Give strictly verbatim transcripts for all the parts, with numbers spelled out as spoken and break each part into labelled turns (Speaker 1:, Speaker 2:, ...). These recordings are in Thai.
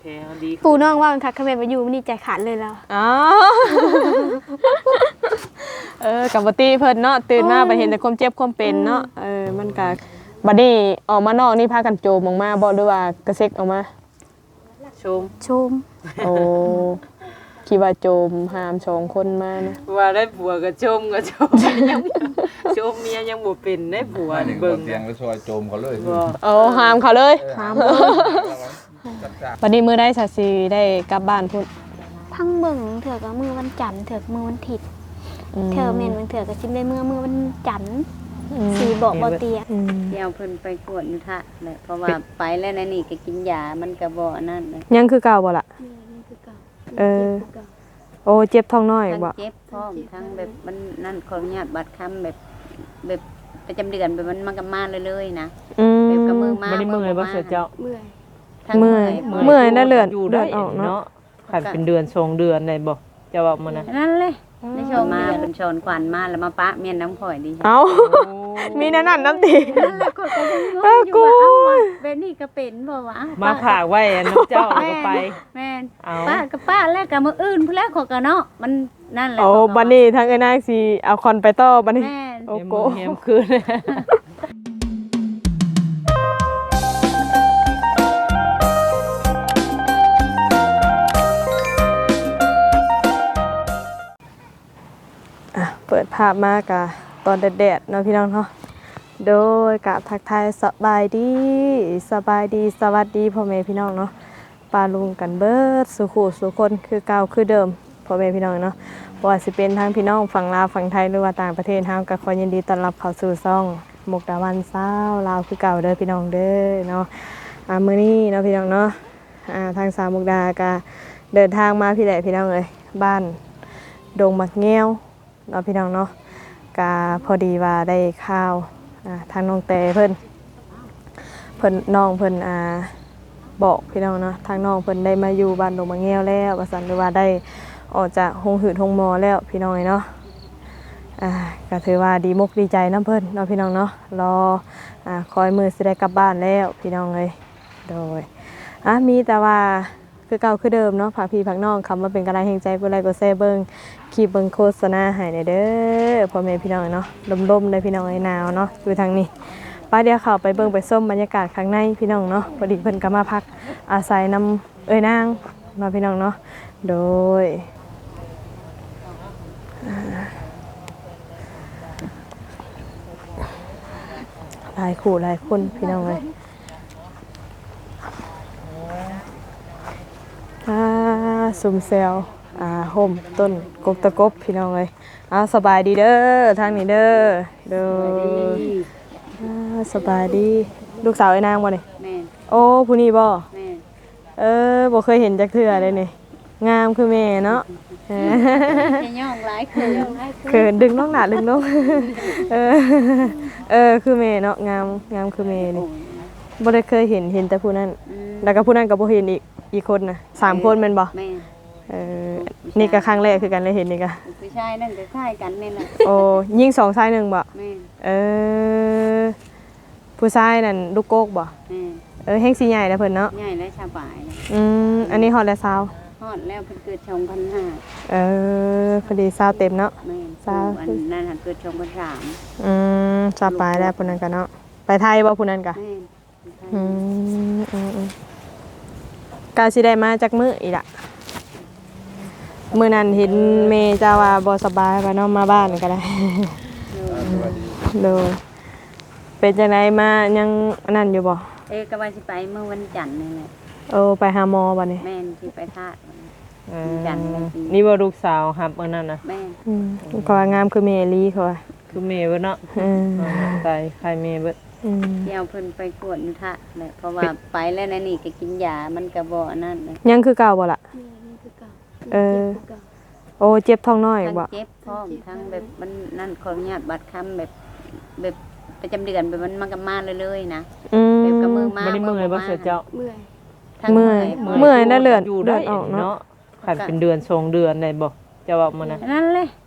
Speaker 1: ปูน้องว่ามันคักขมิ้นมาอยู่มันนี่ใจขาดเลยแล้ว
Speaker 2: อ๋อเออกับบัตี้เพิ่นเนาะตื่นมาไปเห็นแต่ความเจ็บความเป็นเนาะเออมันก็บัดนี้ออกมานอกนี่พากันโจมออกมาบ่หรือว่ากระเซ็กออกมา
Speaker 3: ชม
Speaker 1: ชม
Speaker 2: โอ้คิดว่าโจมหามสองคนมานะ
Speaker 3: ว่าได้ผัวก็ชมก็ชมยังชมเมียยังบ่เป็นได้ผัวเบิ่ง
Speaker 4: เตียงแล้วซอยโจมเขาเลย
Speaker 2: โอ้หามเขาเลยหามวันนี้มื้อได้สัสิได้กลับบ้านพุ่น
Speaker 1: พังเบิ่งเถื่อกับมือวันจันทร์เถื่อมือวันถิดเถื่อเมนวันเถื่อกับชิมได้มือมือวันจันทร์สีบอกบ่เตีย
Speaker 5: เดี๋ยวเพิ่นไปกวดอยู่ท่าแหละเพราะว่าไปแล้วนั่นนี่ก็กินยามันก็บ่นั่นเลย
Speaker 2: ยังคือเก่าบ่ล่ะเออโอ้เจ็บท้องน้อยบ่
Speaker 5: เจ็บพร้อมทั้งแบบมันนั่นขออนุญาตบัดคำแบบแบบประจำเดือนแบบมันมันก็มาเลยๆนะแบบกับมือมา
Speaker 3: บ่ได้เมื่อยบ่เสียเจ้า
Speaker 1: เมื่อย
Speaker 2: เมื่อยเมื่อยน่าเลือดเลือดออกเนาะ
Speaker 3: ขันเป็นเดือนสองเดือนได้บ่จะว่ามันน่ะ
Speaker 5: นั่นเลยในชมมาเป็นชนควันมาแล้วมาปะเมียนน้ำข่อยดี
Speaker 2: เอ้ามีนั่นนั่นน้ำตี
Speaker 5: นั่นแหละก็ก็ยังงงอยู่ว่าเอ้าแบบนี้ก็เป็นบ่วะ
Speaker 3: มาผากไว้น้ำเจ้าแล้วก็ไป
Speaker 5: แม่นป้ากับป้าแล้วกับมื้ออื่นพุ่นแล้วขอก็เนาะมันนั่นแหละ
Speaker 2: โอ้บัดนี้ทางไอ้นางสิเอาคอนไปต่อบัดนี้
Speaker 5: โอ้
Speaker 2: โก
Speaker 3: เฮียมคืน
Speaker 2: เปิดภาพมากะตอนแดดๆเนาะพี่น้องเนาะโดยกับทักทายสบายดีสบายดีสวัสดีพ่อแม่พี่น้องเนาะปาลุงกันเบิดสุขุสุคนคือเก่าคือเดิมพ่อแม่พี่น้องเนาะบ่ว่าสิเป็นทางพี่น้องฝั่งลาวฝั่งไทยหรือว่าต่างประเทศเฮาก็ขอยินดีต้อนรับเข้าสู่ช่องมุกดาวันเช้าลาวคือเก่าเด้อพี่น้องเด้อเนาะอ่ามื้อนี้เนาะพี่น้องเนาะอ่าทางสาวมุกดาก็เดินทางมาพี่แหละพี่น้องเอ้ยบ้านดงมักแง้วเนาะพี่น้องเนาะกาพอดีว่าได้ข่าวทางน้องเตเพิ่นเพิ่นน้องเพิ่นอ่าบอกพี่น้องเนาะทางน้องเพิ่นได้มาอยู่บ้านดงมะแง้วแล้วว่าซั่นหรือว่าได้ออกจากโรงหืดโรงหมอแล้วพี่น้องเนาะอ่าก็ถือว่าดีมุกดีใจนำเพิ่นเนาะพี่น้องเนาะรออ่าคอยมื้อสิได้กลับบ้านแล้วพี่น้องเอ้ยโดยอ่ะมีแต่ว่าคือเก่าคือเดิมเนาะฝากพี่ฝากน้องคำว่าเป็นกำลังแห่งใจกดไลค์กดแชร์เบิ่งคลิปเบิ่งโฆษณาให้เด้อพ่อแม่พี่น้องเนาะลมๆได้พี่น้องไอ้หนาวเนาะอยู่ทางนี้ป้าเดี๋ยวเข้าไปเบิ่งไปส้มบรรยากาศข้างในพี่น้องเนาะพอดีเพิ่นก็มาพักอาศัยนำเอ้ยนางมาพี่น้องเนาะโดยหลายคู่หลายคนพี่น้องเลยอ่าซุ่มเซลอ่าห่มต้นกบตะกบพี่น้องเลยอ่าสบายดีเด้อทางนี้เด้อเด้ออ่าสบายดีลูกสาวไอ้นางบ่นี่
Speaker 5: แม่
Speaker 2: โอ้ผู้นี้บ่
Speaker 5: แม่
Speaker 2: เออบ่เคยเห็นจักเทื่อเลยนี่งามคือแม่เนาะ
Speaker 5: เออย่องหลายคืน
Speaker 2: เขินดึงน้องหนาดึงน้องเออเออคือแม่เนาะงามงามคือแม่นี่บ่ได้เคยเห็นเห็นแต่ผู้นั้นแล้วก็ผู้นั้นก็บ่เห็นอีกอีกคนน่ะสามคนแม่นบ่
Speaker 5: แม่
Speaker 2: เออนี่ก็ครั้งแรกคือกันเลยเห็นนี่ก็
Speaker 5: ผู้ชายนั่นก็คล้ายกันนี่แหละ
Speaker 2: โอ้ยิงสองชายหนึ่งบ่
Speaker 5: แม่
Speaker 2: เออผู้ชายนั่นลูกโกกบ่
Speaker 5: แม่
Speaker 2: เออแฮงสิใหญ่แล้วเพิ่นเนาะ
Speaker 5: ใหญ่และชาวป่าย
Speaker 2: อืมอันนี้ฮอดแล้วซาว
Speaker 5: ฮอดแล้วเพิ่นเกิดสองพันห้า
Speaker 2: เออพอดีซาวเต็มเนาะ
Speaker 5: แม่ซาวอันนั้นเกิดสองพันสาม
Speaker 2: อืมซาวปลายแล้วผู้นั้นก็เนาะไปไทยบ่ผู้นั้นก็อืมอืมกาสิได้มาจากมื้ออีกล่ะมื้อนั้นเห็นเมย์เจ้าว่าบ่สบายว่าน้องมาบ้านก็ได้โดยเป็นจังได๋มายังนั่นอยู่บ่
Speaker 5: เอ๊ะก็ว่าสิไปเมื่อวันจันทร์นี่แหละ
Speaker 2: เออไปหาหมอบัดนี้
Speaker 5: แม่นสิไปธาตุ
Speaker 3: เออจันทร์นี่บ่ลูกสาวครับมื้อนั้นน่ะ
Speaker 5: แม่
Speaker 2: อืมก็งามคือเมลีเขาว่า
Speaker 3: คือเมย์เบิดเนาะ
Speaker 2: อืม
Speaker 3: ตายใครเมย์เบิด
Speaker 2: อืม
Speaker 5: เดี๋ยวเพิ่นไปกวดอยู่ท่าแหละเพราะว่าไปแล้วนั่นนี่ก็กินยามันก็บ่นั่นเลย
Speaker 2: ยังคือเก่าบ่ล่ะเออโอ้เจ็บท้องน้อยบ่
Speaker 5: เจ็บพร้อมทั้งแบบมันนั่นขออนุญาตบัดคำแบบแบบประจำเดือนแบบมันมันก็มาเลยๆนะแบบกับมือมา
Speaker 3: บ่ได้เมื่อยบ่เสียเจ้า
Speaker 1: เมื่อย
Speaker 2: เมื่อยเมื่อยน่าเลือดเลือดออกเนาะ
Speaker 3: ขันเป็นเดือนสองเดือนได้บ่จะว่ามันน่ะ
Speaker 5: นั่นเลย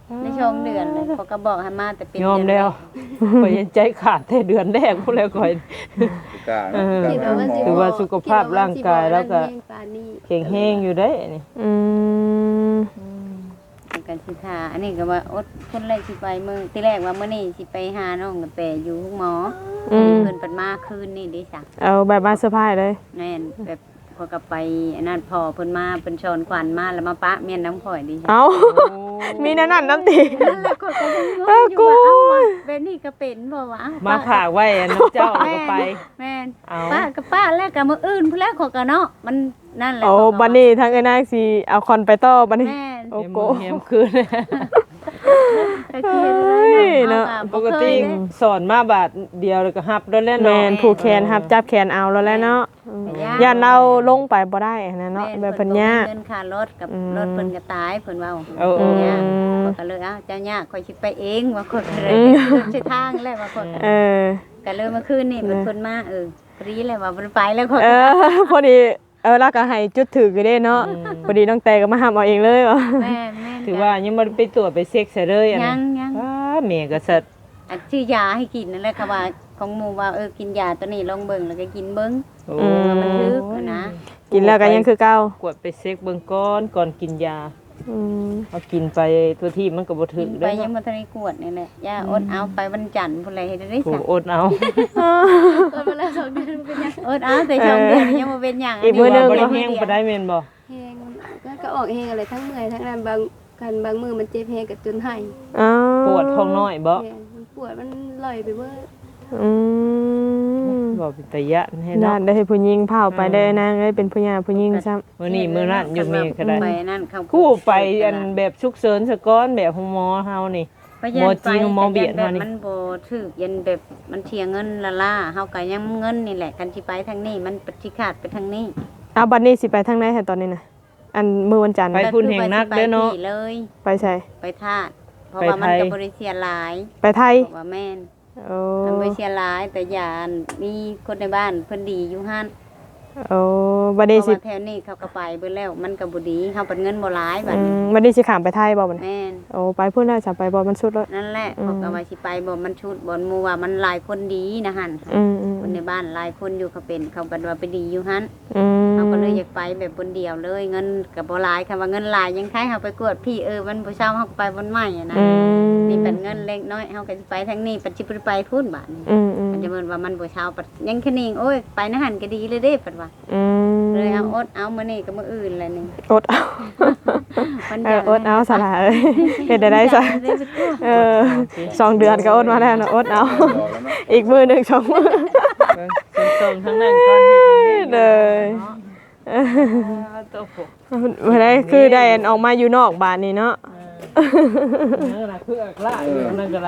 Speaker 5: ในช่วงเดือนเลยเขาก็บอกให้มาแต่เป็น
Speaker 3: ยอมแล้วข่อยยังใจขาดแต่เดือนแรกพุ่นแล้วข่อย
Speaker 4: กล้า
Speaker 3: เออ
Speaker 4: กล้า
Speaker 3: ถือว่าสุขภาพร่างกายแล้วก็
Speaker 6: ปานนี้
Speaker 3: แข็งแรงอยู่ได้นี่
Speaker 2: อืม
Speaker 5: กันสิทาอันนี้ก็ว่าอดคนแรกสิไปมื้อที่แรกว่ามื้อนี้สิไปหาน้องกระแตอยู่ห้องหมอ
Speaker 2: อืม
Speaker 5: เพิ่นเปิดมาคืนนี่เด้จ้ะ
Speaker 2: เอาแบบมาเซอร์ไพรส์เลย
Speaker 5: แม่นแบบพอก็ไปอันนั้นพอเพิ่นมาเพิ่นชอนขวัญมาแล้วมาปะเมียนน้ำข่อยดิ
Speaker 2: เอามีนั่นนั่นน้ำตี
Speaker 5: นั่นแหละก็ก็ยังงงอยู่ว่าเอ้าว่าแบบนี้ก็เป็นบ่วะเอ้
Speaker 3: มา
Speaker 5: ป้
Speaker 3: ฝากไว้อันน้ำเจ้าแล้วก็ไป
Speaker 5: แม่น
Speaker 3: เอา
Speaker 5: ป้ากับป้าแล้วก็มื้ออื่นพุ่นแล้วเขอก็เนาะมันนั่นแหละ
Speaker 2: โอ้
Speaker 5: เขาก็
Speaker 2: บันนี้ทางไอ้นางสิเอาคอนไปต่อบันนี้
Speaker 5: แม่น
Speaker 2: โอ้
Speaker 3: เห็น
Speaker 2: โก
Speaker 3: บ่เห็นคืน
Speaker 5: ก็คือเลยเนาะ
Speaker 3: ปกติสอนมาบาทเดียวแล้วก็ฮับด้วยแล้ว
Speaker 2: แม
Speaker 3: เนาะ
Speaker 2: นผูกแขนครับจับแขนเอาแล้วแหละเนาะอืมย่านเราลงไปบ่ได้นะเนาะแบบเพิ่นยาก
Speaker 5: เงินค่ารถกับ
Speaker 2: อืม
Speaker 5: รถเพิ่นก็ตายเพิ่นว่า
Speaker 3: เออเออ
Speaker 5: เนี่ย
Speaker 2: ม
Speaker 5: ข้อยก็เลยเอ้าเจ้ายากข่อยสิไปเองว่าข่อยก็เลย
Speaker 2: อืม
Speaker 5: สิทางแล้วว่าข่อย
Speaker 2: เออ
Speaker 5: ก็เลยเมื่อคืนนี่เพิ่นเพิ่นมาเออพอดีเลยว่าเพิ่นไปแล้วข่อย
Speaker 2: เออ พอดีเออแล้วก็ให้จุดถือก็ได้เนาะพอดีน้องแต่ก็มาห้ามเอาเองเลยว่ะ
Speaker 5: แม่นแม่น
Speaker 3: ถือว่ายังบ่ได้ไปตรวจไปเช็คซะเลยอัน
Speaker 5: ยั
Speaker 3: นั้
Speaker 5: ง
Speaker 3: น
Speaker 5: ยัง
Speaker 3: ว้าแม่ก็สัตว์
Speaker 5: อันชื่อยาให้กินนั่นแหละค่ะว่าของหมู่ว่าเออกินยาตัวนี้ลองเบิ่งแล้วก็กินเบิ่ง
Speaker 3: โอ้
Speaker 5: ว่ามันลึกอะนะ
Speaker 2: กินแล้วก็ยังคือเก่าก
Speaker 3: วดไปเช็คเบิ่งก่อนก่อนกินยา
Speaker 2: อืม
Speaker 3: เอากินไปตัวที่มันก็บ่ถึ
Speaker 5: กิ
Speaker 3: ก
Speaker 5: นไป
Speaker 3: เด้อ
Speaker 5: ยัง
Speaker 3: เนาะ
Speaker 5: บ่ทันได้กวดนี่แหละยาอดเอาไปวันจันทร์พุ่นเลยเฮ็ดได้
Speaker 3: ถู
Speaker 5: ซะ
Speaker 3: กอดเอา
Speaker 6: เออมาแล้วสองเดือนเป็นยัง
Speaker 5: อดเอาแต่สองเดือนยังบ่เป็นหยัง
Speaker 2: อีกมื้อหนึง
Speaker 3: บ่ได้แห้งบ่ได้แม่นบ่
Speaker 6: แหงแล้วก็ออกแหงอะไรทั้งเมื่อยทั้งนั้นบางกันบางมือมันเจ็บแหงกับจนไห้
Speaker 2: อ๋อ
Speaker 3: ปวดท้องน้อยบ่
Speaker 6: แหงมันปวดมันลอยไปเบิด
Speaker 2: อืม
Speaker 3: บ่เป็นตะยะให้
Speaker 2: น่า
Speaker 3: เนาะ
Speaker 2: ได้ให้ผู้หญิงเผาไปได้นางเอ้ยเป็นผู้หญิงผู้หญิงซ้ำ
Speaker 3: มื้อนี้มื้อนั้นอยู่แม่ก็ได้
Speaker 5: ไปนั่นเขา
Speaker 3: คู่ไปอันแบบฉุกเฉินซะก่อนแบบของหมอเฮานี่ หมอจีนหมอเบียดมานี่
Speaker 5: มันบ่ถูกยันแบบมันเสียเงินละล่าเฮาก็ยังเงินนี่แหละกันสิไปทางนี้มันปฏิขาดไปทางนี้
Speaker 2: เอาบัดนี้สิไปทางไหนแท้ตอนนี้น่ะอันมื้อวันจันทร์
Speaker 3: ไป
Speaker 2: น่ะ
Speaker 3: พุ่นแห่งนักเด้อเนาะ
Speaker 5: ไปที่เลย
Speaker 2: ไปใช่
Speaker 5: ไปธาตุเพราะ
Speaker 3: ไป
Speaker 5: ว่ามัน
Speaker 3: ไทย
Speaker 5: ก็บ่ได้เสียหลาย
Speaker 2: ไปไทย
Speaker 5: เพราะว่าแม่น
Speaker 2: โอ้
Speaker 5: มันบ่เสียหลายแต่ยานมีคนในบ้านเพิ่นดีอยู่หั่น
Speaker 2: โอ้บัด
Speaker 5: เพ
Speaker 2: นี้
Speaker 5: ราะ
Speaker 2: สิ
Speaker 5: ว่าแถวนี้เขาก็ไปเบิดแล้วมันก็บ่ดีเฮาเปิดเงินบ่หลายบัด
Speaker 2: อื
Speaker 5: นี้
Speaker 2: มบัดนี้สิข้ามไปไทยบ่บัดนี้
Speaker 5: แม่น
Speaker 2: โอ้ไปพุ่นแล้วจะไปบ่มันสุดแล้ว
Speaker 5: นั่นแหละ
Speaker 2: อืม
Speaker 5: เขาก็ว่าสิไปบ่มันชุดบ่หมู่ว่ามันหลายคนดีนะหั่น
Speaker 2: อืมอืม
Speaker 5: คนในบ้านหลายคนอยู่เขาเป็นเขาบัดว่าไปดีอยู่หั่น
Speaker 2: อืม
Speaker 5: เขาก็เลยอยากไปแบบคนเดียวเลยเงินก็บ่หลายค่ะว่าเงินหลายยังคล้ายเฮาไปกวดพี่เออมันบ่เช้าเฮาก็ไปวันใหม่อะนะ
Speaker 2: อืม
Speaker 5: นี่เป็นเงินเล็กน้อยเฮาก็สิไปทางนี้ปัจจิบไปพูดบาดนี้
Speaker 2: อืมอืม
Speaker 5: มันจะเหมือนว่ามันบ่เช้าปัดยังแค่นี้โอ้ยไปนะหั่นก็ดีเลยเด้ปัดว่า
Speaker 2: อืม
Speaker 5: เลยเอาอดเอามื้อนี้ก็มื้ออื่นแหละนี่
Speaker 2: อดเอา
Speaker 5: วัน
Speaker 2: เอออดเอาสละเอ้ยเฮ็ดได้ได้ซะเออสองเดือนก็อดมาแล้วนะอดเอา อีกมือหนึงสองมือ
Speaker 3: ส่งๆทั้งนั้นก่อนเฮ็ดจังได๋
Speaker 2: เลย
Speaker 3: เออโตโห
Speaker 2: บ่ได้คือได้อันออกมาอยู่นอกบ้านนี่เนาะ
Speaker 3: นั่นล่ะคืออักละอยู่นั่นก็ได้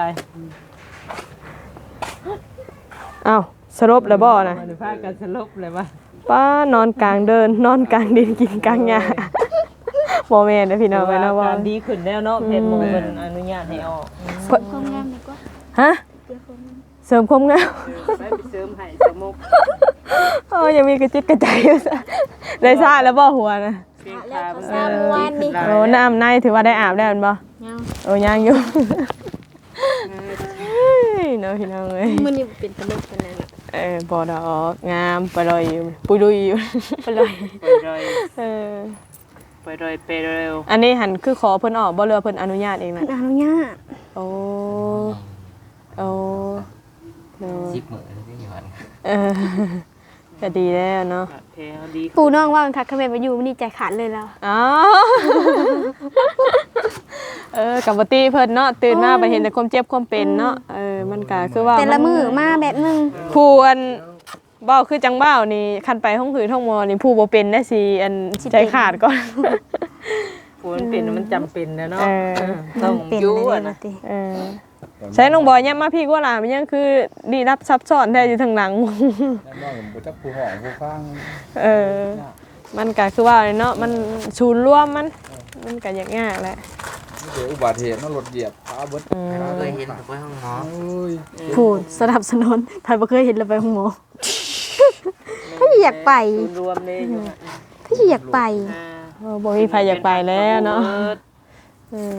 Speaker 2: เอ้าสรุปแล้วบ่นะ
Speaker 3: มันพากันสลบเลยว่า
Speaker 2: ป้านอนกลางเดิน นอนกลางดินกินกลางหญ้าบ่แม่นเด้อพี่น้องเอ้ยเนาะว่า
Speaker 3: การดีขึ้นแล้วเนาะเพชรมงคลอนุญาตให้ออก
Speaker 6: ความงามดีกว่า
Speaker 2: ฮะ
Speaker 6: เจอความงาม
Speaker 2: เสริมความงาม
Speaker 3: ไปเสริมให้สมุก
Speaker 2: โอ้ยังมีกระจิตกระใจอยู่ซะได้ซาแล้วบ่หัวนะ
Speaker 3: เพียงขา
Speaker 6: เขาทราบเมื่อวานนี่
Speaker 2: โอ้น้ำในถือว่าได้อาบแล้วแม่นบ่
Speaker 6: ยัง
Speaker 2: โอ้ยังอยู่เฮ้ยเนาะพี่น้องเอ้ย
Speaker 6: มันนี่เป็นตลกกันนั่นน่ะ
Speaker 2: เออบ่ดอกงามไปเลยอยู่ปุยลุยอยู่ไปเลย
Speaker 3: ไปเลย
Speaker 2: เออ
Speaker 3: ไปเลยไปเร็ว
Speaker 2: อันนี้หันคือขอเพิ่นออกบ่เรือเพิ่นอนุญาตเอง
Speaker 6: มั
Speaker 2: นะ
Speaker 6: นอนุญาต
Speaker 2: โอ้โอ้เนาะ
Speaker 4: สิบหมื่นที่อยู่หัน
Speaker 2: เออก็ดีแล้วเนาะ
Speaker 3: เพลงดี
Speaker 6: ปูน้องว่ามันคักขแม่ไปอยู่มันนี่ใจขาดเลยแล้ว
Speaker 2: อ๋อเออกับปกติเพิ่นเนาะตื่นมาไปเห็นแต่ความเจ็บความเป็นเนาะเออมันก็คือว่า
Speaker 6: แต่ละมือมาแบบนึง
Speaker 2: ผู้อันเบ้าคือจังเบ้านี่คันไปห้องผือห้องมอนี่ผู้บ่เป็นได้สิอันใจขาดก่อน
Speaker 3: ฝนเป็นมันจำเป็นนะเนาะ
Speaker 2: เออ
Speaker 3: ต้อง
Speaker 6: เป็น
Speaker 3: ยู่
Speaker 6: เลย
Speaker 3: อะ
Speaker 6: นะ
Speaker 3: นะ
Speaker 6: ติ
Speaker 2: เออใช้น้องบอยเนี่ยมาพี่กว่าหลานมันยังคือดีรับซับซ้อนแท้อยู่ทางหลัง
Speaker 4: แน่นอนผมจะผู้ห้องผู้ฟัง
Speaker 2: เออ มันก็คือว่าเนาะมันศูนย์รวมมัน มันก็ยากยากแหละ
Speaker 4: นี่เดี๋ยวอุบัติเหตุนั่นรถเหยียบขาเบิด
Speaker 7: เคยเห็นไปห้องหมอ
Speaker 4: โอ้ย
Speaker 6: พูดสนับสนุนใครบ่เคยเห็นเลยไปห้องหมอ พี่อยากไป
Speaker 3: ศูนย์รวมเลยอยู่ฮะ
Speaker 6: พี่อยากไป
Speaker 3: อ่า
Speaker 2: โอ้บ่มีใครอยากไปแล้วเนาะเออ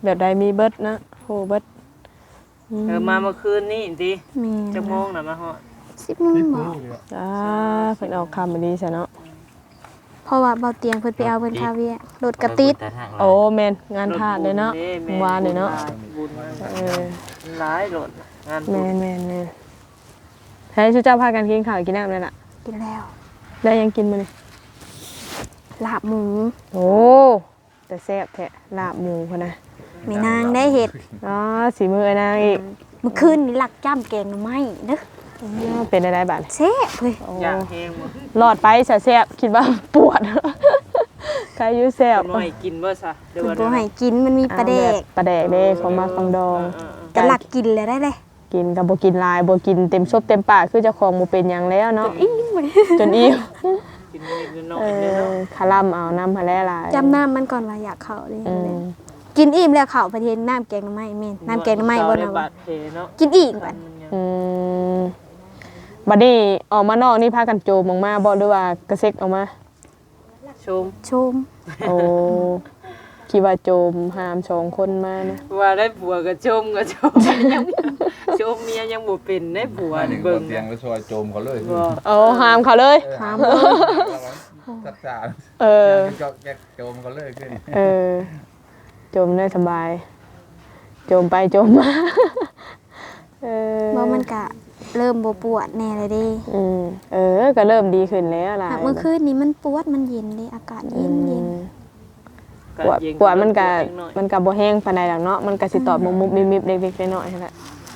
Speaker 2: แบบใดมีเบิดนะโหเบิด
Speaker 3: เออมาเมื่อคืนนี่ติ
Speaker 1: แม่
Speaker 3: จักโมงน่ะมาฮอด
Speaker 1: สิบโมงบ่
Speaker 2: จ้าเพิ่นเอาคำมาดีซะเนาะ
Speaker 1: เพราะว่าเบาเตียงเพิ่นไปเอาเพิ่นคาเวียรถกระติด
Speaker 7: แต่ทางเรา
Speaker 2: โอ้แม่นงานทาสเลยเนาะ
Speaker 3: รถบุญ
Speaker 2: วานเลยเนาะ
Speaker 3: บุญมา
Speaker 2: เออ
Speaker 3: หลายรถงานบุ
Speaker 2: แม่
Speaker 3: ญ
Speaker 2: นแม่นแม่นให้ชูเจ้าพากันกินข้าวกินน้ำเลยล่ะ
Speaker 1: กินแล้ว
Speaker 2: ได้ยังกินมื้อนี้
Speaker 1: ลาบหมู
Speaker 2: โอ้แต่แซ่บแท้ลาบหมูพุ่นนะ
Speaker 1: แม่นางได้เฮ็ด
Speaker 2: อ๋อสีมือไอ้นางอีก
Speaker 1: เมื่อคืนนี่ลักจ้ำแกงหน่อไม้เด้อ
Speaker 2: อ๋อเป็นอะไรบ้าง
Speaker 1: แซ่บเฮ้ย
Speaker 3: อยากแห้งบ่
Speaker 2: หลอดไปแซ่บๆคิดว่าปวด ใครอยุ่แซ่บ
Speaker 3: เพิ่นบ่ให้กินบ่ซะเดี๋ยว
Speaker 1: เพิ่น
Speaker 3: ว่า
Speaker 1: บ่ให้กินมันมีปลาแดก
Speaker 2: ปลาแดกเด้ของมาฟังดอง
Speaker 3: เออ
Speaker 1: ก็ลักกินเลยได้เลย
Speaker 2: กินกับบ่กินหลายบ่กินเต็มซบเต็มปากคือเจ้าของบ่เป็นหยังแล้วเนาะ
Speaker 1: อิ่มเลย
Speaker 2: จนอิ่ม
Speaker 3: ๆกินนิดๆหน่อ
Speaker 2: เอย
Speaker 3: ๆเด้อ
Speaker 2: อ
Speaker 3: เนาะ
Speaker 2: คาร่ำเอาน้ำมาแล่หลาย
Speaker 1: จำน้ำมันก่อนว่าอยากเข้าเลย
Speaker 2: อืม
Speaker 1: กินอิ่มแล้วเข้าประเทศน้ำแกงหน่อไม้แม่นน้ำแกงหน่อไม้บ่
Speaker 3: ได้
Speaker 1: นะ
Speaker 3: บาดแผลเนาะ
Speaker 1: กินอีกบัด
Speaker 3: มันยัง
Speaker 2: อืมบัดนี้ออกมานอกนี่พากันโจมออกมาบ่หรือว่ากระเซ็กออกมา
Speaker 3: ชม
Speaker 1: ชม
Speaker 2: โอ้คิดว่าโจมหามสองคนมานะ
Speaker 3: ว่าได้ผัวก็ชมก็ชมยังชมเมียยังบ่เป็นได้ผัว
Speaker 4: ว่าหนึ่ง
Speaker 3: เบิ่ง
Speaker 4: เตียงแล้วซอยโจมเขาเลย
Speaker 3: บ่
Speaker 2: โอ้หามเขาเลย
Speaker 1: ถาม
Speaker 4: จัดจาน
Speaker 2: เออ
Speaker 4: ก็แกโจมเขาเลยขึ้น
Speaker 2: เออโจมได้สบาย โจมไปโจมมา เออ
Speaker 1: ว่ามันก็เริ่มบ่ปวดแน่เลยเดิ
Speaker 2: อืมเออ ก็เริ่มดีขึ้นแล้วล่ะ
Speaker 1: เมื่อคืนนี้มันปวดมันเย็นเดิอากาศ
Speaker 2: อื
Speaker 1: เย็นเย็น
Speaker 2: มปวดปวดมันก็มันก็บ่แห้งปานใดดอกเนาะมันก็สิตอบมุบๆมิบๆเล็กๆน้อยๆนั่นแหละ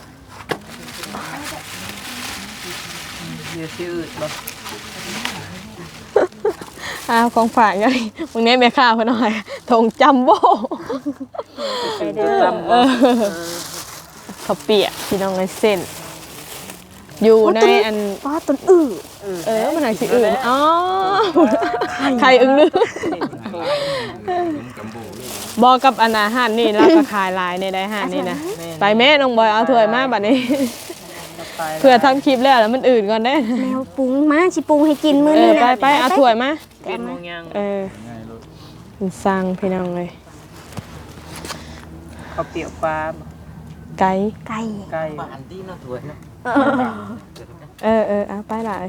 Speaker 3: เดี๋ยวสิอืดบ่
Speaker 2: อ้าวของฝากไงมึงเนี้ยแม่ค้าเพิ่นเอาให้ทงจัมโบ้
Speaker 3: ไปเด้อบ่เออ
Speaker 2: ข้าวเปียกพี่น้องไอ้เส้น อยู่ในอัน
Speaker 1: ป้าต้นอื้อ
Speaker 2: เออมันหนังสิอื่นอ๋อไข่อึ้งลือบอกกับอนอาหารนี่แล้วก็ขายลายในได้อาหารนี่นะไปแม่น้องบอยเอาถ้วยมาบัดนี้ เพื่อทำคลิปแล้วแล้วมันอื่นก่อนได้
Speaker 1: แมวปรุงมาสิปรุงให้กินมื้อ
Speaker 2: เอ
Speaker 1: นี้
Speaker 2: อ
Speaker 1: นะ
Speaker 2: ไปไปเอาถ้วยมา
Speaker 3: เป็นโมงยัง
Speaker 2: เออมันสั่งพี่น้องเลย
Speaker 3: ข้าวเปียกปลาบ่
Speaker 2: ไก่
Speaker 1: ไก่
Speaker 3: ไก่
Speaker 7: บ้านที่เนาะถวยเนาะ
Speaker 2: เออเออเอาไปหลาย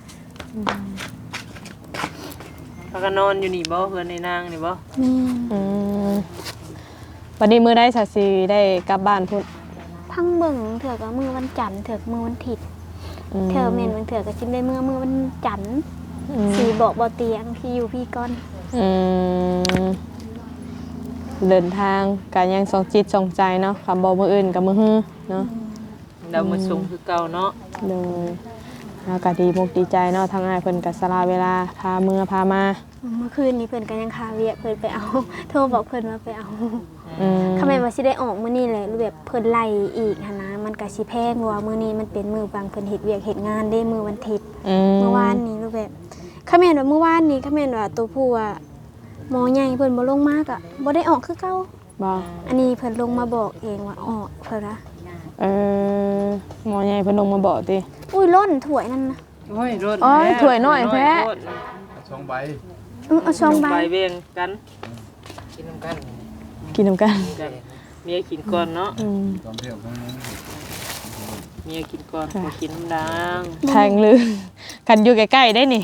Speaker 3: พากันนอนอยู่นี่บ่เฮือนในนางนี่บ่
Speaker 1: แม่
Speaker 2: อืมวันนี้มือได้สัตสีได้กลับบ้านพุ่น
Speaker 1: พังเบิ่งเถื่อก็มือวันจันทร์เถื่อมือวันถิด
Speaker 2: ม
Speaker 1: เถื่อแม่นบางเถื่อก็สิได้มือมือวันจันทร์
Speaker 2: อืม
Speaker 1: สีบอกบ่เตียงพี่อยู่พี่ก่อน
Speaker 2: อืมเดินทางการยังสองจิตสองใจเนาะคำบอกมืออื่นกับมือฮือเนาะ
Speaker 3: เรามาส่งคือเก่าเนาะ
Speaker 2: โดยอากาศดีมุกดีใจเนาะทางอ้ายเพิ่นกับสลาเวลาพาเมื่อพามา
Speaker 1: เมื่อคืนนี้เพิ่นก็ยังคาเวียเพิ่นไปเอา โทรบอกเพิ่นว่าไปเอา
Speaker 2: อืม
Speaker 1: ทำไมว่าสิได้ออกมื้อนี้แหละรูปแบบเพิ่นไล่อีกหันนะมันก็สิแพงเพราะว่ามื้อนี้มันเป็นมื้อบางเพิ่นเฮ็ดเวียกเฮ็ดงานได้มื้อวันอาทิตย์
Speaker 2: อืม
Speaker 1: เมื่อวานนี้รูปแบบคาแม่นว่าเมื่อวานนี้คาแม่นว่าตัวผู้อ่ะหมอใหญ่เพิ่นบ่ลงมากอ่ะบ่ได้ออกคือเก่า
Speaker 2: บ่
Speaker 1: อันนี้เพิ่นลงมาบอกเองว่าออกเพิ่นนะ
Speaker 2: เออหมอใหญ่เพิ่นลงมาบอกติ
Speaker 1: อุ้ยล้นถ้วยนั่นนะ
Speaker 3: โอ้ยรถ
Speaker 2: โอ้ยถ้วยน้อยแท้
Speaker 4: ช่องใบ
Speaker 1: เออเอาช่องใบ
Speaker 3: ใบเวียงกัน
Speaker 7: กินน้ำกัน
Speaker 2: กินน้ำกัน
Speaker 3: กันเมียกินก่อนเนาะ
Speaker 2: อืม
Speaker 4: ตอนเที่ยวข้างนั้น
Speaker 3: เมียกินก่อนบ่กินน้ำดัง
Speaker 2: แทงลือกันอยู่ใกล้ๆได้นี่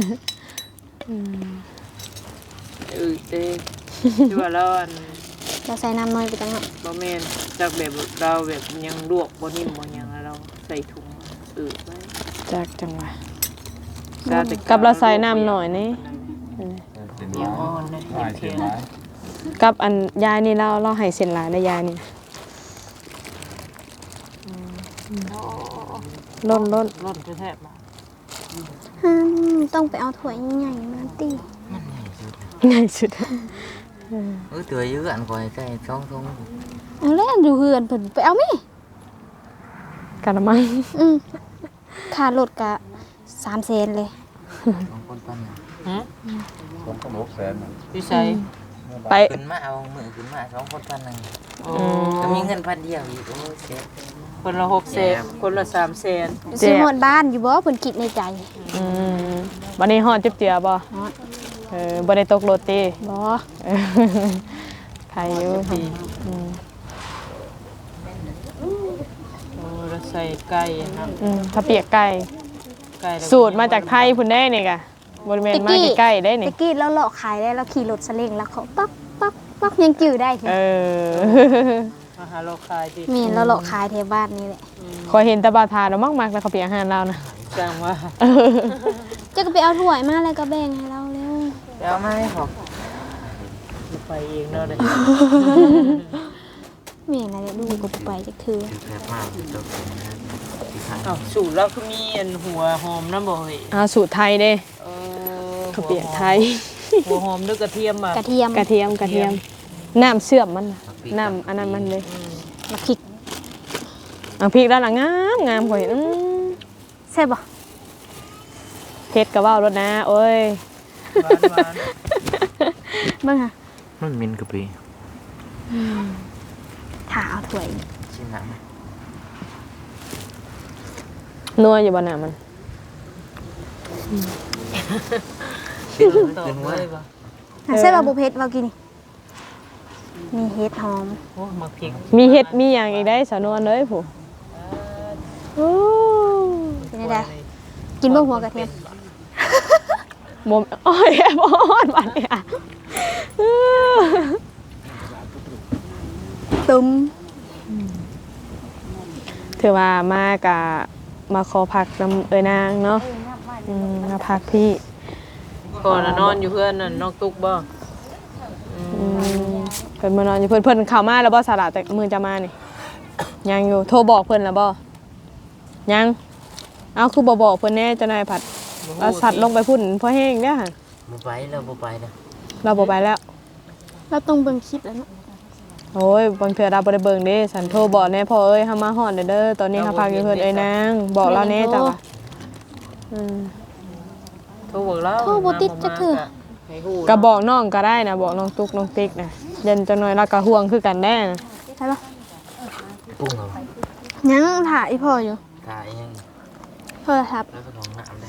Speaker 3: เออเต้ที่ว่าเราอัน
Speaker 1: เราใส่น้ำน้อยไปจังเนาะ
Speaker 3: บ่แม่นจากแบบเราแบบยังลวกบ่นิ่มบ่หยังแล้วเราใส่ถุงอืดไว้
Speaker 2: จากจังหวะ
Speaker 3: ซาแต่
Speaker 2: กับเราใส่น้ำหน่อยนี่
Speaker 4: เป็น
Speaker 3: เดี๋ยวอ่อนนะ
Speaker 4: ลาย
Speaker 3: เที
Speaker 4: เสี
Speaker 3: ย
Speaker 4: ย
Speaker 3: น
Speaker 4: ไม้
Speaker 2: กับอันยายนี่เราเราให้เส้นหลายได้ยายนี่ล้นล้น
Speaker 3: ร้อนแท้ๆมา
Speaker 1: อืมต้องไปเอาถ้วยใหญ่ๆมาติ
Speaker 2: ง่ายสุด
Speaker 7: เออตัวยื้ออันคอยใกล้ช่องทง
Speaker 1: เอาแล้วอยู่เฮือนเพิ่นไปเอาแม่
Speaker 2: กะละมัง
Speaker 1: อืมค่ารถก็สามแสนเลย
Speaker 7: สองคนปันน่ะ
Speaker 3: หึ
Speaker 4: สองพันหกแสน
Speaker 3: พี่ใส่
Speaker 2: ไป
Speaker 7: ขึ้นมาเอามือขึ้นมาสองคนปันหนึ่ง
Speaker 3: อ๋อ
Speaker 7: ก็มีเงินพันเดียวอีกโอ้เสีย
Speaker 3: คนละหกแสนคนละสามแสน
Speaker 1: สิฮอดบ้านอยู่บ่เพิ่นคิดในใจ
Speaker 2: อืมวันนี้ฮอดจิบเจือบ่
Speaker 1: ฮอด
Speaker 2: เออบ่ได้ตกรถติ
Speaker 1: บ่
Speaker 2: เออใครข่อยู่อืม
Speaker 3: โอ้แล้วใส่ไก่นะ
Speaker 2: อืมถ้าเปียกไก่
Speaker 3: ไก่แล้ว
Speaker 2: สูตรมาจากไทยพุ่นได้นี่กะบริเวณมาใกล้ๆได้นี่
Speaker 1: ตะกี้เราเลาะขายได้เราขี่รถสเล้งแล้วเขาปักปักปักยังจื้อได้
Speaker 2: เออ
Speaker 3: มาหาโลคายดิ
Speaker 1: มีเราเลาะขายแถวบ้านนี่แหละ
Speaker 2: ขอยเห็นแตะบาทานแล้วมากๆแล้วเขาเปียกอาหารเรานะ
Speaker 3: จังว่า
Speaker 1: เจะก็ไปเอาถ้วยมาแล้วก็แบ่งให้เราเร็ว
Speaker 7: เดี๋ยวมาให้ผม
Speaker 3: ไปเองเนาะเด้
Speaker 1: แม่น่ะเดี๋ยวลูกก็บ่ไปจักเทื่อ
Speaker 7: แซ่บมากจบเลยนะที่ทาน
Speaker 3: อ้าวสูตรเราคือมีอันหัวหอมน้ำบ่เฮ้ย
Speaker 2: เอาสูตรไทยเด้
Speaker 3: เออ
Speaker 2: เขาเปียกไทย
Speaker 3: หัวหอมด้วยกระเทียมอ่ะ
Speaker 1: กระเทียม
Speaker 2: กระเทียมกระเทียมน้ำเชื่อมมันน่ะน้ำอันนั้นมันเลย
Speaker 1: มะพริก
Speaker 2: เอาพริกด้านหลังงามงามข่อยอื้อ
Speaker 1: แซ่บบ่
Speaker 2: เผ็ดก็เว้ารสนะโอ้ย
Speaker 3: หวานหวาน
Speaker 1: เบิ่งค่ะ
Speaker 7: มันมินกะปิ
Speaker 1: ถ้าเอาถ้วย
Speaker 7: ชิ้นหนัง
Speaker 2: นัวอยู่บ่น่ะมัน
Speaker 3: ตอบเลยป่ะ
Speaker 1: อ่ะแซ่บบ่บ่เผ็ดว่ากินนี่มีเห็ดหอม
Speaker 3: โอ้มาพริก
Speaker 2: มีเห็ดมีอย่างอีกได้สาวนวลเลยผู้โอ้
Speaker 1: เป็นไดกินบ่หัวกระเทียม
Speaker 2: บ่มโอ้ยแอบอ่อนบัดเนี่ยอื้อ
Speaker 1: ตุ้ม
Speaker 2: ถือว่ามากะมาขอพักน้ำเอ้ยนางเนาะอืมมาพักพี่
Speaker 3: ก่อนน่ะนอนอยู่เพื่อนน่ะนอกตุกบ่
Speaker 2: อืมเพิ่นมานอนอยู่เพิ่นเพิ่นเข้ามาแล้วบ่สาระแต่มือจะมานี่ยังอยู่โทรบอกเพิ่นแล้วบ่ยังเอาคือบ่บอกเพิ่นแน่เจ้านายผัดเอาสัตว์ลงไปพุ่นเพราะแห้งเด้อหั่น
Speaker 7: บ่ไปแล้วบ่ไปนะ
Speaker 2: เราบ่ไปแล้ว
Speaker 1: เราต้องเบิ่งคลิปแล้วเนาะ
Speaker 2: โอ้ยบางเทื่อเราบ่ได้เบิ่งเด้สันโทรบอกแน่พ่อเอ้ยเฮามาฮอดเด้อเด้อตอนนี้เฮาพักอยู่เพิ่นเอ้ยนางบอกเราแน่จ้ะว่าอืม
Speaker 3: โทรบอกแล้ว
Speaker 1: โทรบ่ติดจักเทื่อ
Speaker 3: ให้ฮู้
Speaker 2: ก็บอกน้องก็ได้นะบอกน้องตุ๊กน้องติ๊กนะเย็นจังหน่อยเราก็ห่วงคือกันแน่นะ
Speaker 1: ใช่ปะ
Speaker 7: ปรุงเอา
Speaker 1: ยังถ่ายอีพ่ออยู่
Speaker 7: กายยัง
Speaker 1: โทรศัพท์
Speaker 7: แล้วก็ของน้ำได้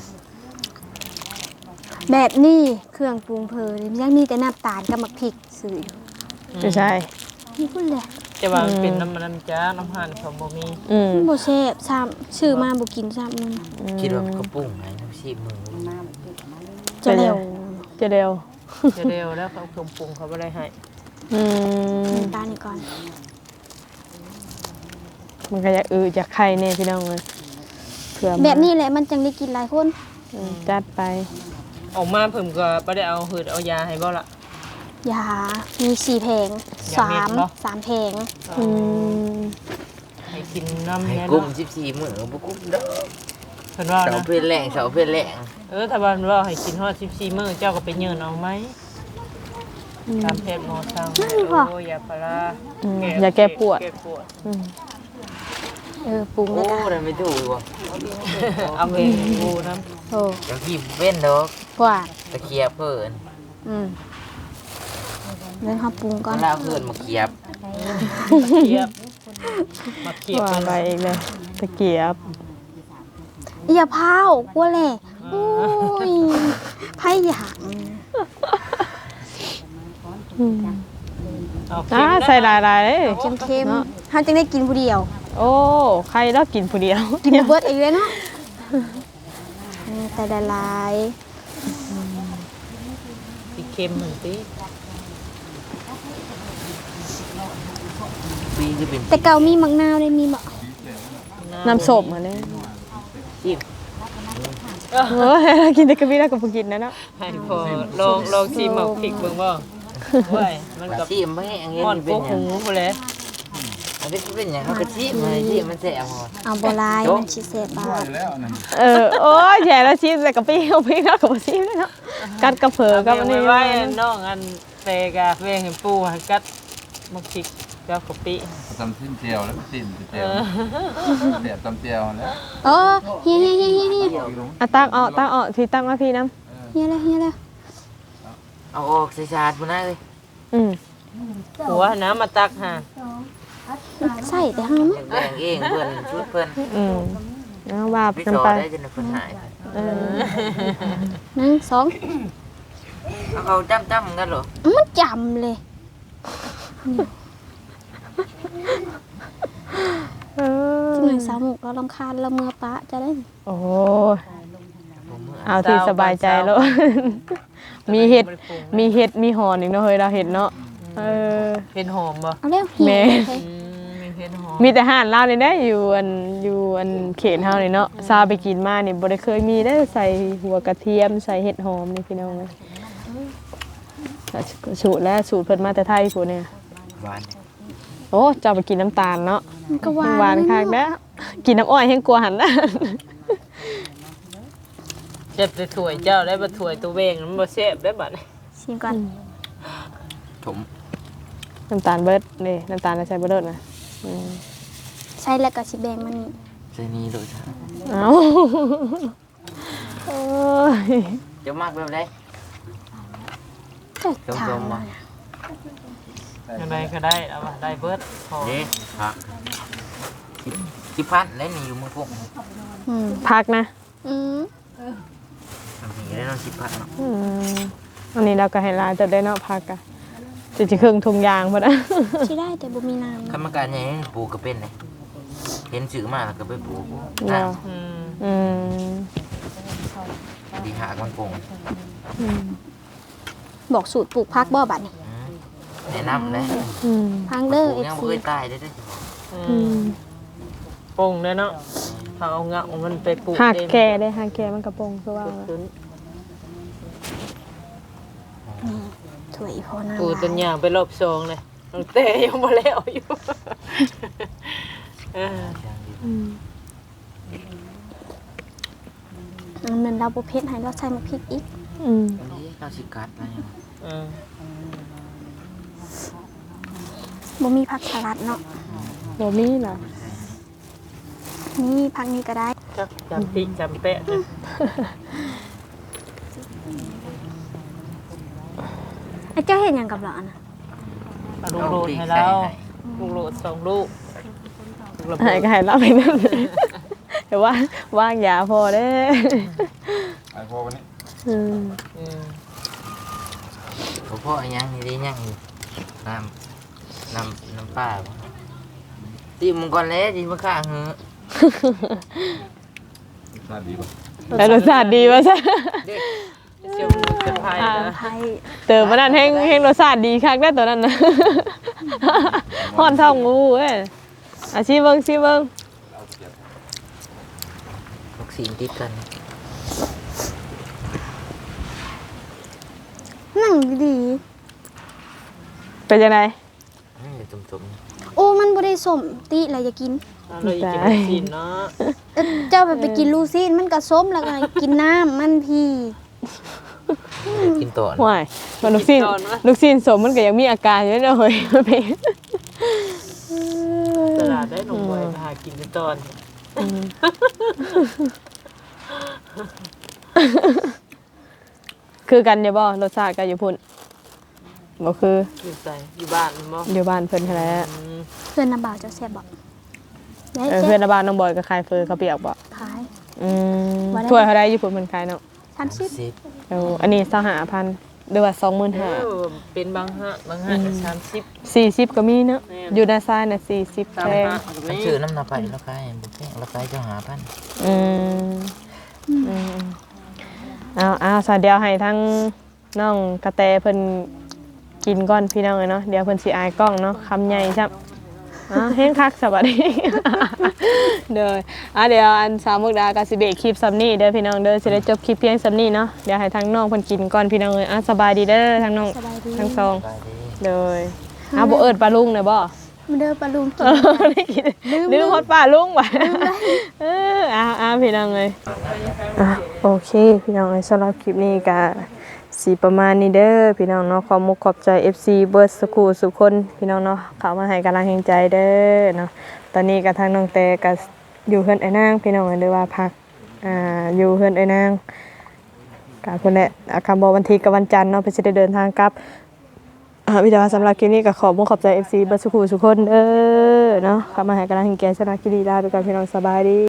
Speaker 1: แบบนี้เครื่องปรุงเพลินยังมีแต่น้ำตาลกับมะพริกซื้ออยู่
Speaker 2: ไม่ใช่
Speaker 1: นี่พุ่นแหละ
Speaker 3: จะว่ามันเป็นน้ำมันน้ำจ้าน้ำหั่นเขาบ่มี
Speaker 2: อืม
Speaker 1: บ่แซ่บซ้ำชื่อมาบ่กินซ้ำมัน
Speaker 7: คิดว่ามันก็ปรุงไหนน้ำชีพมือ
Speaker 1: จะเร็ว
Speaker 2: จะเร็ว
Speaker 3: จะเร็วแล้วเขาเครื่องปรุงเขาบ่ได้ให้
Speaker 2: อืม
Speaker 1: น้ำตาลนี่ก่อน
Speaker 2: มันก็อยากอืออยากไข่แน่พี่น้องเลยเผื่อมา
Speaker 1: แบบนี้แหละมันจังได้กินหลายคน
Speaker 2: อืมจัดไป
Speaker 3: ออกมาเพิ่มก็บ่ได้เอาหืดเอายาให้บ่ล่ะ
Speaker 1: ยามีสี่แผง
Speaker 3: ยา
Speaker 1: สา
Speaker 3: เม็ด
Speaker 1: ม
Speaker 3: เหรอ
Speaker 1: สามแผง
Speaker 2: อืม
Speaker 3: ให้กินน้ำ
Speaker 7: ให้
Speaker 3: แน่
Speaker 7: กุ้ม
Speaker 3: เนาะ
Speaker 7: สิบสี่มื้อบ่กุ้มเด้อ
Speaker 3: เพิ่นว่า
Speaker 7: เสา
Speaker 3: นะ
Speaker 7: เพลแรงเสาเพลแรง
Speaker 3: เออถ้าบ้านว่าให้กินฮอดสิบสี่มื้อเจ้าก็ไปเยินเอาไหมตามแพทย์หมอสั่งโอ้ยาพารา
Speaker 2: อืมอย่าแก้ปวด
Speaker 3: แก้ปวด
Speaker 2: อืม
Speaker 1: เออปรุง
Speaker 7: โอ้
Speaker 1: แล้วก็
Speaker 7: ได้ไม่ถูกว่ะ
Speaker 3: เอาเองกูน้
Speaker 1: โอ้
Speaker 7: เดี๋ยวพี่เว้นดอก
Speaker 1: กว่า
Speaker 7: ตะเคียบเพิ่น
Speaker 1: อืมเรื่องเฮาปรุงก่อน
Speaker 7: เวลาเพิ่นมาเคียบ
Speaker 3: ำเขียบมาเขียบ
Speaker 2: ว่า
Speaker 3: กัน
Speaker 2: ไปอีกเลยตะเกียบ
Speaker 1: อย่าพาวกลัวแหละโอ้ยไผอยาก
Speaker 2: อืม
Speaker 3: เอาเค็
Speaker 2: อ่าม
Speaker 3: นะ
Speaker 2: ใส่หลายๆเลย
Speaker 1: เค็มๆเฮาจังได้กินผู้เดียว
Speaker 2: โอ้ใครแล้วกินผู้เดียว
Speaker 1: กินบ่เบิดอีกเลยเนาะอืมแต่ละลาย
Speaker 3: สิเค็มเหมือนติ
Speaker 7: ปีที่เป็น
Speaker 1: แต่เก่ามีมักนาวได้มีบ่
Speaker 2: น้ำส้มมาเนี่ย
Speaker 7: ชีพ
Speaker 2: เฮ้ยกินแต่กระบี่แล้วก็บ่กินนะเนาะ
Speaker 3: ให้พอลองลองชิมเอาพริกเบิ่งบ่โอ้ยมันกับ
Speaker 7: ชีพไม่แห้งเงี้ย
Speaker 3: อ่อน
Speaker 7: เป็
Speaker 3: โก
Speaker 7: นหยั
Speaker 3: หู
Speaker 7: ง
Speaker 3: พุ่นแหละ
Speaker 7: อันนี้เป็นหยังเอากระชีพมาชีพมันแสบหมด
Speaker 1: เอาบ่หลายมันสิแซ่บบ่
Speaker 4: ไปแล้วนั่น
Speaker 2: เออโอ้ยแย่แล้วชีสแต่กะปิเอาพริกแล้วก็บ่ชีสเลยเนาะกัดกระเผอ
Speaker 3: เอา
Speaker 2: กับ
Speaker 3: เบิ่
Speaker 2: อั
Speaker 3: ง
Speaker 2: นนี้
Speaker 3: ไว้ไว้น้องอันเตกะเวงให้ปูให้กัดมักพริกกับกะปิ
Speaker 4: ตำสิ้นเจียวแล้วสิ้นเจียวเสียบตำเจียวแล้ว
Speaker 1: เออเฮียเฮียเฮียเฮียเฮีย
Speaker 2: อ่ะตักเอาตักเอาพี่ตักมาพี่น้
Speaker 1: เฮียแล้วเฮียแล้ว
Speaker 7: เอาออกใส่ชาดพุ่นนะเลย
Speaker 2: ำอืม
Speaker 3: หัวน้ำมาตักหา
Speaker 1: ใส่แต่เฮามั้ย
Speaker 7: แบ่งเองเพิ่นชุดเพิ่น
Speaker 2: อืมเอาว่า
Speaker 7: พี่
Speaker 2: กัน
Speaker 7: ต่อ
Speaker 2: ไป
Speaker 7: ได้จนเพิ่นหาย
Speaker 2: เออ
Speaker 1: หนึ่งสอง
Speaker 7: เอาเขาจ้ำๆกันเหรอ
Speaker 1: มันจำเลย
Speaker 2: เออ
Speaker 1: ที่หนึ่งสาวหมุกเราลำคาญเราเมื่อปะจะได้
Speaker 2: โอ้ยเอาที่สบายใจแล้ว มีเห็ดมีเห็ดมีหอนอีกเนาะเฮ้ยเราเห็ดเนาะเออ
Speaker 3: เห็ดหอมบ่
Speaker 1: เอาเร็วหิว
Speaker 2: แม่
Speaker 1: เลย
Speaker 3: อืมมีเห็ดหอม
Speaker 2: มีแต่ห่านลาวนี่ได้อยู่อันอยู่อันเขตเฮานี่เนาะซาไปกินมานี่บ่ได้เคยมีได้ใส่หัวกระเทียมใส่เห็ดหอมนี่พี่น้องเอ้ยสูตรแล้วสูตรเพิ่นมาแต่ไทยพุ่นเนี่ย
Speaker 7: หวาน
Speaker 2: โอ้เจ้าไปกินน้ำตาลเนาะ
Speaker 1: มันก็หวาน
Speaker 2: หวานคักแล้วกินน้ำอ้อยแห้งกลัวหันนะ
Speaker 3: เจ็บแต่ถ้วยเจ้าได้บ่ถ้วยตัวเวงมันบ่แซ่บได้บัดนี้
Speaker 1: ชิมก่อน
Speaker 7: ถม
Speaker 2: น้ำตาลเบิดนี่น้ำตาลใส่เบิดนะอืม
Speaker 1: ใช้แล้วก็สิแบ่งมัน
Speaker 7: ใส่นี่ด้วยจ้ะ
Speaker 2: เอ้าโอ้ย
Speaker 7: เดี๋ยวมากแบบไหน
Speaker 1: จะ
Speaker 7: ส้
Speaker 1: ถาม
Speaker 7: มๆ
Speaker 1: ว่า
Speaker 7: ว่ะ
Speaker 3: อะไรก็ได้เอาว่ะได้เบิดพอ
Speaker 7: เด้ผักสิบสิบพันแล้วนี่อยู่เมืองพวก
Speaker 1: อืม
Speaker 2: พักนะ
Speaker 1: อืม
Speaker 7: มีได้เนาะสิบพันเนาะ
Speaker 2: อืมอันนี้เราก็ให้ลายจะได้เนาะพักอะจะจะเครื่องทุงยางพอนะ
Speaker 1: ที่ได้แต่บ่มีน้ำ
Speaker 7: กรรมการใหญ่ปลูกก็เป็นเลยเห็นสื่อมาแล้วก็ไปปลูก
Speaker 2: เนาะ
Speaker 7: น้
Speaker 3: อืม
Speaker 2: อืม
Speaker 7: ำดีหากมันปง
Speaker 2: อืม
Speaker 1: บอกสูตรปลูกพักบ่บัดนี่
Speaker 7: อืมแนะนำเลย
Speaker 2: อืม
Speaker 1: พังเด้อ
Speaker 7: ปลูกยังบ่
Speaker 1: เอฟซี
Speaker 7: เคยตายได้ได้อ
Speaker 3: อื
Speaker 2: อื
Speaker 3: ม
Speaker 2: ม
Speaker 3: ปงได้เนาะถ้าเอางะมันไปปลูก
Speaker 2: หัก
Speaker 3: เอง
Speaker 2: แก่ได้หักแก่มันกระโปรงคือว่า
Speaker 3: ขึ้น
Speaker 1: ถ้วยอีพอน้ำ
Speaker 3: ปลูกต้นยางไปรอบสองเลยตั้งแต่ยังบ่แล้วอยู่ เออ
Speaker 2: อืม
Speaker 1: มันเหมือนเราบ่เผ็ดให้เราใส่มะพริกอีก
Speaker 2: อืม
Speaker 7: อันนี้เราสิกัดอะไรอย่าง
Speaker 3: เออ
Speaker 1: บ่มีผักสลัดเนาะ
Speaker 2: บ่มีล่ะ
Speaker 1: นี่ผักนี้ก็ได้
Speaker 3: จักจำติจำแปะเลย
Speaker 1: ไอ้เจ้าเห็นหยังกับเราอะนะ
Speaker 3: เอาลูกโลดให้เราลูกโลดสองลูกลูกระ
Speaker 2: หาย
Speaker 3: เบิด
Speaker 2: ก็หายรับไปนั่นแต่ว่าว่างยาพอเด้
Speaker 4: ไอ้พอวันนี้
Speaker 2: อืม
Speaker 3: อืม
Speaker 7: เขาพ่อยังนี่ได้ยังนี่น้ำน้ำน้ำปลาบ่ตีมึงก่อนแล้วจีมาข้างเหอะ
Speaker 4: น่าดีป่ะ
Speaker 2: แต่รสชาติดีว่าซะ
Speaker 3: เด็กเชียวมือจะพายนะ
Speaker 1: ไทย
Speaker 2: เติมมานั่นแห้งแห้งรสชาติดีคักได้ตัวนั้นนะ ฮ้อนท้องงูเอ้ยอาชีพเบิ่งชีเบิ่ง
Speaker 7: วัคซีนติดกัน
Speaker 1: นั่งดี
Speaker 2: เป็นยังไง
Speaker 7: อืมเดี๋ยวตุ่ม
Speaker 1: ๆโอ้มันบ่ได้สมติอะไรอย่ากิน
Speaker 3: เอาเลยกินวัคซีนเนาะ
Speaker 1: เอ้อเจ้าไปไปกินลูซีนมันก็ส้มแล้วก็กินน้ำมันพี่
Speaker 7: ๆกินต่อนะ
Speaker 2: ห่วยมันลูกซีนลูกซีนสมมันก็ยังมีอาการอยู่เด้อเฮ้ย มันเป็น
Speaker 3: ตลาดได้หนุ่มไว้หากินในตอน
Speaker 2: คือกันอยู่บ่รสชาติกันอยู่พุ่นบ่คือ
Speaker 3: อยู่ใส่อยู่บ้านมั้ง
Speaker 2: อยู่บ้านเพิ่นแท้
Speaker 1: เพื่อนน้ำบ่าวเจ้าแซ่บบ่ได้
Speaker 2: เออ
Speaker 1: เจ๊
Speaker 2: เพื่อนในบ้านน้องบอยก็ขายเฟอเขาวเปียกบ่
Speaker 1: ขาย
Speaker 2: อืม
Speaker 1: ว่าได้
Speaker 2: ถ้วยเขาได้อยู่พุ่นเพิ่นขายเนาะ
Speaker 1: สามสิบ
Speaker 7: สิบ
Speaker 2: เอออันนี้สหพันธ์หรือว่าสองหมื่น
Speaker 3: เอ
Speaker 2: ห้า
Speaker 3: อเป็นบางฮะบางฮะสามสิบ
Speaker 2: สี่สิบก็มีเนาะ
Speaker 3: แม่น
Speaker 2: อยู่ด้านซ้ายน่ะสี่สิบ
Speaker 3: สาม
Speaker 2: แพง
Speaker 3: ฮะ
Speaker 7: มันชื่อน้ำนาไปแล้วก็บุฟเฟ่แล้วก็เจ้าหาพัน
Speaker 2: อืมอืมเอาเอาสาเดียวให้ทั้งน้องกระแตเพิ่นกินก่อนพี่น้องเอ้ยเนาะเดี๋ยวเพิ่นสิอายกล้องเนาะคำใหญ่ซับอ่าเฮ็ดคักสวัสดี เด้ออ่ะเดี๋ยวอันสาวมุกดาก็สิเบรกคลิปซ้ำนี้เด้อพี่น้องเด้อสิได้จบคลิปเพียงซ้ำนี้เนาะเดี๋ยวให้ทั้งน้องเพิ่นกินก่อนพี่น้องเอ้ยอ่ะสบายดีเด้อทั้งน้อง
Speaker 1: สบายดี
Speaker 2: ทั้งสอง
Speaker 7: ไปดี
Speaker 2: เด้ออ่ะบ่เอิ้นปลาลุงเด้อบ่
Speaker 1: มาเด้อปลาลุงกิน
Speaker 2: ได้กินลืมฮอดป้าลุงว่ะเอออ้าวอ้าวพี่น้องเลยอ่ะโอเคพี่น้องเอ้ยสำหรับคลิปนี้ก็สีประมาณนี้เด้อพี่น้องเนาะขอมุกขอบใจ เอฟ ซี เบิร์ดสกูสุกคนพี่น้องเนาะเข้ามาให้กำลังใจเด้อเนาะตอนนี้ก็ทางน้องแต่ก็อยู่เฮือนไอ้นางพี่น้องเอ้ยหรือว่าพักอ่าอยู่เฮือนไอ้นางก็เพิ่นแหละอาคำบอกวันที่กับวันจันทร์เนาะเพิ่นสิได้เดินทางกลับ อ่าวิดีโอสำหรับคลิปนี้ก็ขอมุกขอบใจ เอฟ ซี เบิร์ดสกูสุกคนเด้อเนาะเข้ามาให้กำลังใจสำหรับคลิปนี้ลาไปก่อนพี่น้องสบายดี